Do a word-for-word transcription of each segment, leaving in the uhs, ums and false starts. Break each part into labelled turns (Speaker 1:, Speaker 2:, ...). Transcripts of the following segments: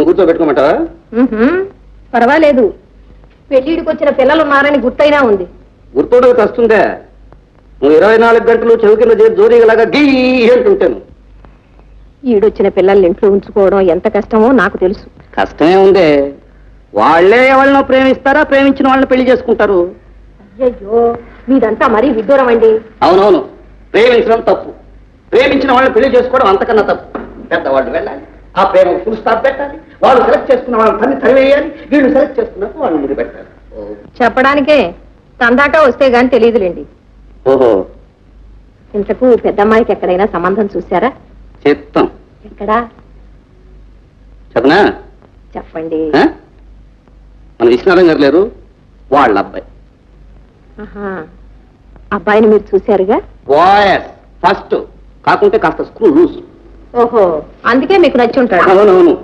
Speaker 1: నన్ను కూర్చోబెట్టుకోమంటావా?
Speaker 2: పర్వాలేదు, పెళ్లిడికి వచ్చిన పిల్లలు ఉన్నారని గుర్తైనా ఉంది.
Speaker 1: గుర్తుండదు వస్తుందే. నువ్వు ఇరవై నాలుగు గంటలు చెవికిన జోరీగలాగా గీ అంటుంటాను.
Speaker 2: ఈడొచ్చిన పిల్లల్ని ఇంట్లో ఉంచుకోవడం ఎంత కష్టమో నాకు తెలుసు.
Speaker 1: కష్టమే ఉందే, వాళ్లే ఎవరినో ప్రేమిస్తారా, ప్రేమించిన వాళ్ళని పెళ్లి చేసుకుంటారు.
Speaker 2: అయ్యో, మీదంతా మరీ విడ్డూరం అండి.
Speaker 1: అవునవును, ప్రేమించడం తప్పు, ప్రేమించిన వాళ్ళని పెళ్లి చేసుకోవడం అంతకన్నా తప్పు. పెద్దవాళ్ళు వెళ్ళాలి, ఆ ప్రేమ ఫుల్ స్టాప్ పెట్టాలి, వాళ్ళు సెలెక్ట్ చేసుకున్న వాళ్ళని తన్ని తరివేయాలి, వీళ్ళు సెలెక్ట్ చేసుకున్నట్టు వాళ్ళు ముందు పెట్టాలి.
Speaker 2: చెప్పడానికే తందాక వస్తే గాని తెలియదులేండి.
Speaker 1: ఓహో,
Speaker 2: ఇంతకు పెద్దమ్మాయికి ఎక్కడైనా సంబంధం చూశారా?
Speaker 1: చెప్తాం.
Speaker 2: ఎక్కడా
Speaker 1: చెప్పనా?
Speaker 2: చెప్పండి.
Speaker 1: మన విశ్వనాథం గారు లేరు, వాళ్ళ అబ్బాయి.
Speaker 2: అబ్బాయిని మీరు చూశారుగా?
Speaker 1: వాయస్ ఫస్ట్, కాకుంటే కాస్త స్క్రూ లూజ్.
Speaker 2: ఓహో, అందుకే మీకు నచ్చి ఉంటాడు.
Speaker 1: అవునవును.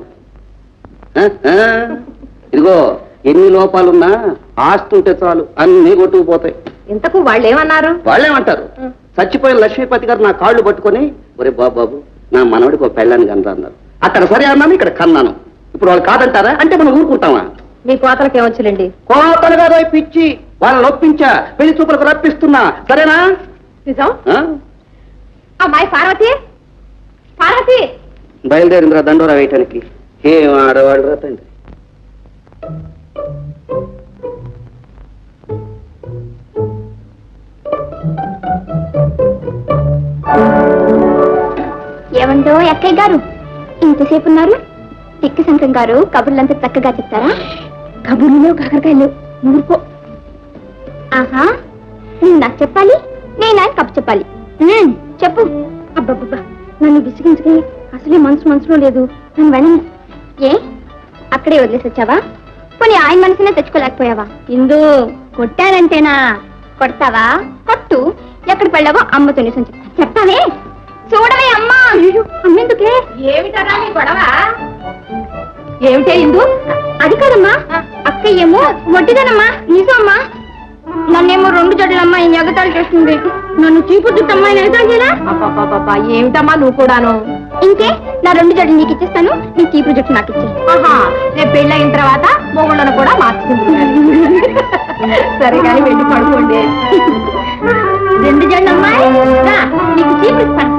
Speaker 1: ఇదిగో, ఎన్ని లోపాలున్నా ఆస్తి ఉంటే చాలు, అన్ని కొట్టుకుపోతాయి.
Speaker 2: ఇంతకు వాళ్ళు ఏమన్నారు?
Speaker 1: వాళ్ళేమంటారు, చచ్చిపోయిన లక్ష్మీపతి గారు నా కాళ్ళు పట్టుకొని, ఒరే బాబు నా మనవడికి ఒక పెళ్ళాన్ని కన్నా అన్నారు. అక్కడ సరే అన్నాను, ఇక్కడ కన్నాను. ఇప్పుడు వాళ్ళు కాదంటారా అంటే మనం ఊరుకుంటామా?
Speaker 2: మీ కోతలకి ఏమొచ్చులేండి.
Speaker 1: కోతలు కాదు, పిచ్చి, వాళ్ళని ఒప్పించా, పెళ్లి చూపులకు రప్పిస్తున్నా. సరేనా?
Speaker 2: నిజం. అమ్మాయి పార్వతి, పార్వతి
Speaker 1: బయలుదేరిందిరా దండోరా వేయటానికి. ఏం ఆడవాడు రా తండ్రి.
Speaker 3: ఏమంటో అక్కయ్య గారు, ఇంతసేపు ఉన్నారు? తిక్కి శంకరం గారు కబుర్లంతా చక్కగా చెప్తారా? కబుర్లు కాకరకాయలు ఊరుకో. ఆహా, నువ్వు నాకు చెప్పాలి, నేను ఆయన కబు చెప్పాలి. చెప్పు. అబ్బబ్బబ్బా, నన్ను విసిగించుకే, అసలే మనసు మనసులో లేదు. నన్ను వెళ్ళను. ఏ అక్కడే వదిలేసి వచ్చావా? పోనీ ఆయన మనసునే తెచ్చుకోలేకపోయావా? ఇందు కొట్టానంటేనా? కొడతావా? కొట్టు. ఎక్కడికి వెళ్ళావో అమ్మతో నిజం చెప్తా. చెప్తావే? చూడవే అమ్మా. అమ్మెందుకే?
Speaker 2: ఏమిటరా నీ గొడవ? ఏమిటే ఇందు?
Speaker 3: అది కాదమ్మా, అక్కయ్యేమో వడ్డీదనమ్మా. నిజమ్మా, నన్నేమో రెండు జడ్లమ్మా ఈ ఎగతాలు చేస్తుంది. నన్ను చీపు జుట్టమ్మా ఎగతాలు చేయరా?
Speaker 2: అబ్బా, ఏమిటమ్మా నువ్వు కూడాను?
Speaker 3: ఇంకే, నా రెండు జడ్లు నీకు ఇచ్చేస్తాను, నీ చీపు జుట్టు నాకు ఇచ్చే.
Speaker 2: ఆహా, రేపు పెళ్ళయిన తర్వాత మొగుళ్ళను కూడా మార్చుకుంటున్నాను. సరే కానీ వెళ్ళి పడుకోండి.
Speaker 3: రెండు జడ్లమ్మా, నీకు చీపు ఇస్తాను.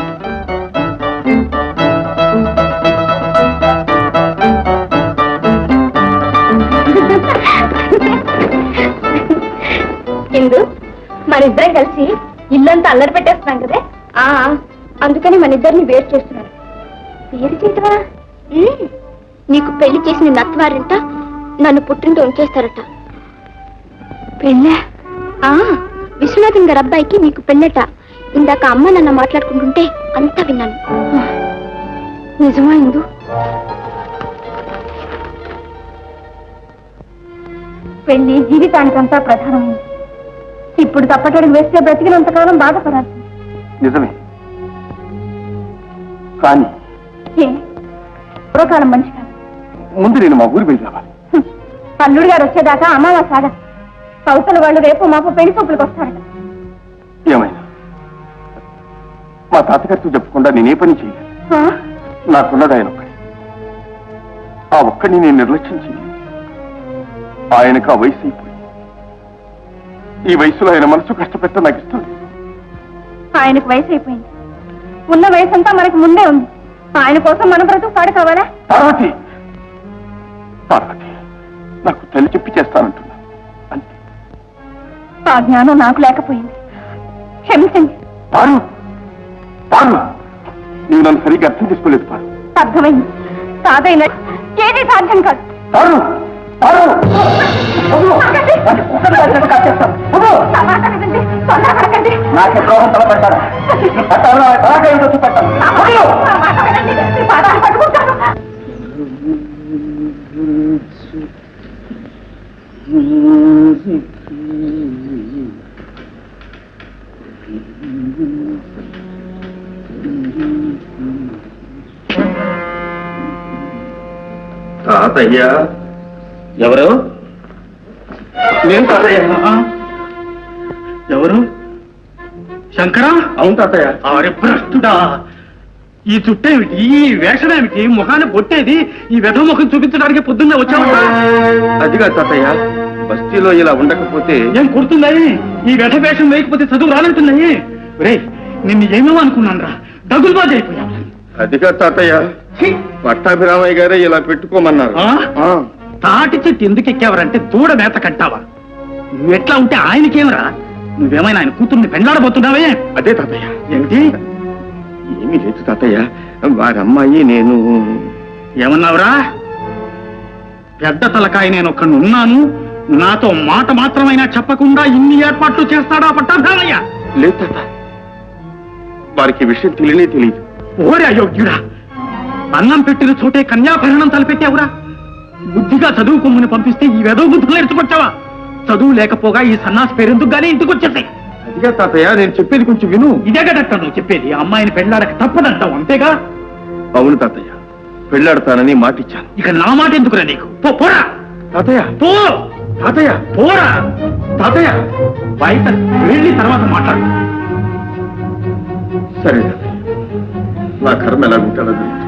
Speaker 3: ఇందు, మనిద్దరం కలిసి ఇల్లంతా అల్లరి పెట్టేస్తున్నాం కదే. ఆ, అందుకని మన ఇద్దరిని వేరు చేస్తున్నారు. వేరు చేయటమా? నీకు పెళ్లి చేసిన నత్వారంట నన్ను పుట్టింటూ ఉంచేస్తారట. పెళ్ళా? విశ్వనాథం గారి అబ్బాయికి నీకు పెళ్ళట. ఇందాక అమ్మ నన్ను మాట్లాడుకుంటుంటే అంతా విన్నాను. నిజమా ఇందు? పెళ్లి జీవితానికంతా ప్రధానమైంది. ఇప్పుడు తప్పటడుగు వేస్తే బ్రతికినంతకాలం బాధపడాలి.
Speaker 4: నిజమే, కానీ
Speaker 3: పూర్వకాలం మంచి కాదు.
Speaker 4: ముందు నేను మా ఊరి వెళ్ళి రావాలి.
Speaker 3: అల్లుడు గారు వచ్చేదాకా అమావాస సాగ కౌసల వాళ్ళు రేపు మాపు పెళ్లి చూపులకు వస్తారట.
Speaker 4: ఏమైనా మా తాతగారితో చెప్పకుండా నేనే పని చేయలేదు. నాకున్నది ఆయన ఒక్కడి. ఆ ఒక్కడిని నేను నిర్లక్ష్యం చేయలేదు. ఆయనకు ఆ వయసు అయిపోయింది. ఈ వయసులో ఆయన మనసు కష్టపెట్ట నాకు ఇష్టం.
Speaker 3: ఆయనకు వయసు అయిపోయింది, ఉన్న వయసు అంతా మనకు ముందే ఉంది. ఆయన కోసం మన బ్రతుకు పాడు కావాలా?
Speaker 4: పార్వతి, పార్వతి, నాకు తల్లి చెప్పి చేస్తానంటున్నా అంతే.
Speaker 3: ఆ జ్ఞానం నాకు లేకపోయింది, క్షమించండి.
Speaker 4: పారు, పారు, నీవు నన్ను సరిగ్గా అర్థం చేసుకోలేదు. పారు,
Speaker 3: అర్థమైంది. సాధైన ఏది సాధ్యం కాదు.
Speaker 4: పారు, పారు, నాకే ద్రోహం తలపెట్టాడు. చూపెట్టాను. తాతయ్య. ఎవరు? నేను తాతయ్య. ఎవరు? శంకర? అవును తాతయ్య. అరే భ్రష్టుడా,
Speaker 5: ఈ చుట్టేమిటి ఈ వేషమేమిటి ముఖాన్ని పొట్టేది ఈ వెధ ముఖం చూపించడానికి పొద్దున్నే వచ్చావా
Speaker 4: అదిగా తాతయ్య బస్తీలో ఇలా ఉండకపోతే
Speaker 5: ఏం కుడుతుందని ఈ వెధ వేషం వేయకపోతే చదువు రానంటున్నాయి రే నిన్ను ఏమేమో అనుకున్నాను రా దగులుబాజు అయిపోయా
Speaker 4: అదిగా తాతయ్య పట్టాభిరామయ్య గారే ఇలా పెట్టుకోమన్నారు
Speaker 5: ఆ?
Speaker 4: ఆ,
Speaker 5: తాటి చెట్టు ఎందుకు ఎక్కావరంటే దూడ మేత కట్టావా నువ్వెట్లా ఉంటే ఆయనకేమరా నువ్వేమైనా ఆయన కూతుర్ని పెండ్లాడబోతున్నావే
Speaker 4: అదే తాతయ్య
Speaker 5: ఏమిటి
Speaker 4: ఏమీ లేదు తాతయ్య వారి అమ్మాయి నేను
Speaker 5: ఏమన్నావురా పెద్ద తలకాయ నేను ఒక్కడిని ఉన్నాను నాతో మాట మాత్రమైనా చెప్పకుండా ఇన్ని ఏర్పాట్లు చేస్తాడా పట్టాభామయ్య
Speaker 4: లేదు తాత వారికి ఈ విషయం తెలియనే తెలియదు
Speaker 5: ఓరే అయోగ్యుడా అన్నం పెట్టిన చోటే కన్యాభరణం తలపెట్టావురా బుద్ధిగా చదువుకోమని పంపిస్తే ఈ వెదవ బుద్ధులు ఎత్తుకొచ్చావా చదువు లేకపోగా ఈ సన్నాసి పేరెందుకు గానీ ఇంటికి వచ్చేసాయి
Speaker 4: అదిగా తాతయ్య నేను చెప్పేది కొంచెం విను
Speaker 5: ఇదే కదట్ట నువ్వు చెప్పేది ఆ అమ్మాయిని పెళ్ళాడక తప్పదంటావు అంతేగా
Speaker 4: అవును తాతయ్య పెళ్ళాడతానని మాటిచ్చాను
Speaker 5: ఇక నా మాట ఎందుకురా నీకు పో పోరా
Speaker 4: తాతయ్య
Speaker 5: పో
Speaker 4: తాతయ్య
Speaker 5: పోరా
Speaker 4: తాతయ్య
Speaker 5: బయట వెళ్ళి తర్వాత మాట్లాడు
Speaker 4: సరే తాతయ్య నా కర్మ ఎలా ఉంటాడో